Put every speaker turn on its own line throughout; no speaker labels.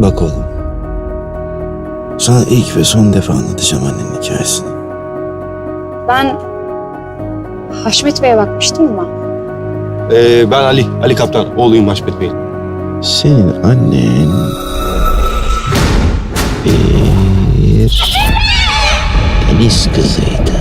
Bak oğlum. Sana ilk ve son defa anlatacağım annenin hikayesini.
Ben Haşmet Bey'e bakmıştım ama.
Ben Ali Kaptan. Oğluyum Haşmet Bey.
Senin annen bir deniz kızıydı.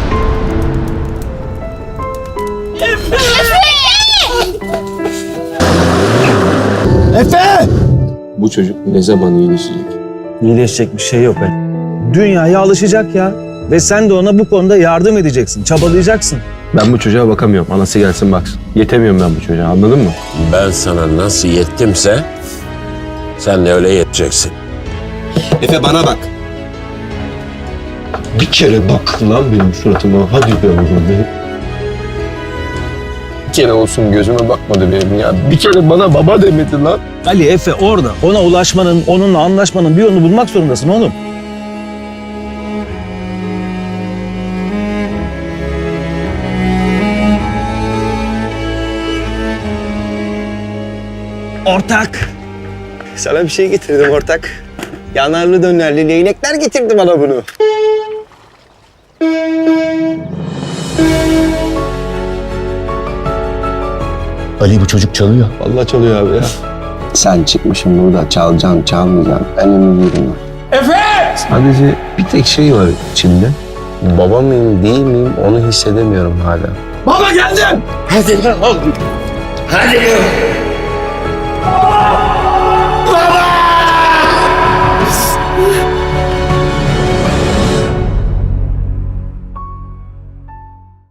Efe!
Bu çocuk ne zaman iyileşecek?
İyileşecek bir şey yok be. Dünyaya alışacak ya. Ve sen de ona bu konuda yardım edeceksin, çabalayacaksın.
Ben bu çocuğa bakamıyorum. Anası gelsin baksın. Yetemiyorum ben bu çocuğa, anladın mı?
Ben sana nasıl yettimse sen de öyle yeteceksin.
Efe bana bak. Bir kere bak lan benim suratıma. Hadi be oğlum be. Bir kere olsun gözüme bakmadı benim ya. Bir kere bana baba demedi lan.
Ali, Efe orada. Ona ulaşmanın, onunla anlaşmanın bir yolunu bulmak zorundasın oğlum.
Ortak. Sana bir şey getirdim ortak. Yanarlı dönerli leylekler getirdi bana bunu.
Ali bu çocuk çalıyor.
Vallahi çalıyor abi ya.
Sen çıkmışsın burada çalacaksın çalmayacaksın. Ben emin değilim.
Sadece bir tek şey var içimde. Baba mıyım değil miyim onu hissedemiyorum hala.
Baba geldim.
Hadi lan oğlum. Hadi.